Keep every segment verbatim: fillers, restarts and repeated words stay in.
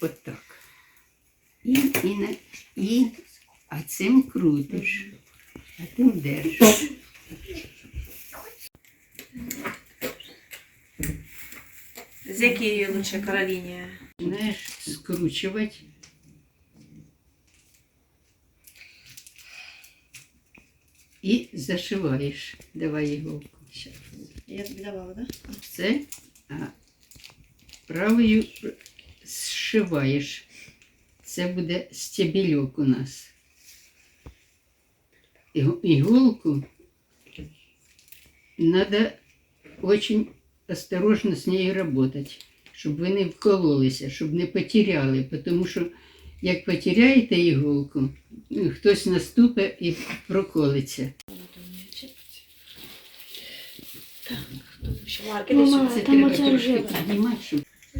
отак. І, і, на- і, а цим крутиш, а тим держиш. З якої лучше Кароліні? Знаєш, скручувати. І зашиваєш. Давай іголку. Щас. Я тобі давала, так? Да? Це, а правою зшиваєш. Це буде стебельок у нас. Іго- Іголку треба дуже осторожно з нею працювати, щоб ви не вкололися, щоб не потеряли. Тому що як потеряєте іголку, ну, хтось наступить і проколиться. Так, тут ще марки Мама, десь. Це там треба оце трошки ржаве. піднімати, щоб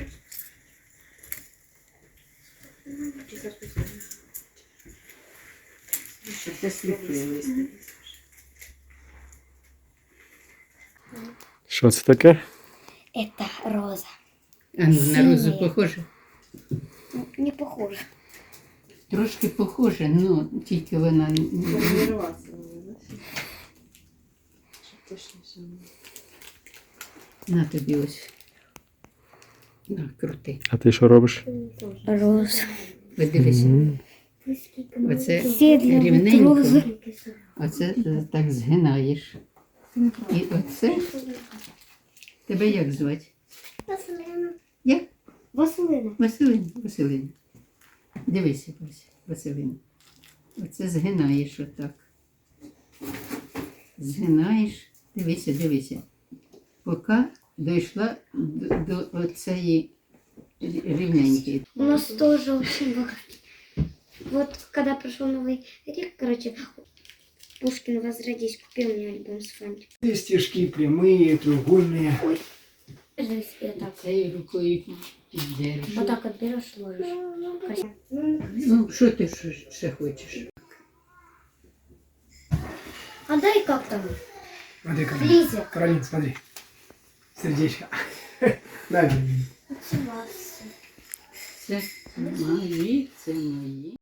щоб це сліпилось. Що це таке? Это роза. А ну, на розу Синяя. похоже? Ну, не похоже. Трошки похоже, ну тільки вона не- не- Форміруватися мені, да? Щоб точніше. на тобі ось. На, крути. А ти що робиш? Роза. Подивися. Мгм. Оце Все для рівненько, розы. оце е, так згинаєш. І оце, тебе як звати? Василина. Як? Василина. Василин, Василин. Дивися, Вася, Василин. Оце згинаєш отак. Згинаєш, дивися, дивися. Поки дійшла до, до оцеї рівненької. У нас тоже очень много. Вот когда пришел Новый год, короче, Пушкин «Возродись» купил мне альбом с фантиком. Есть стежки прямые, треугольные. Здесь я так. Цією рукою піддержиш. Вот так вот берешь, ложишь. Красиво. Ну, що ти ще- ще хочеш? А дай как там? Смотри, Каролин. Лиза. Каролин, смотри. Сердечко. Дай мне. Отсюда. Це мої, це мої.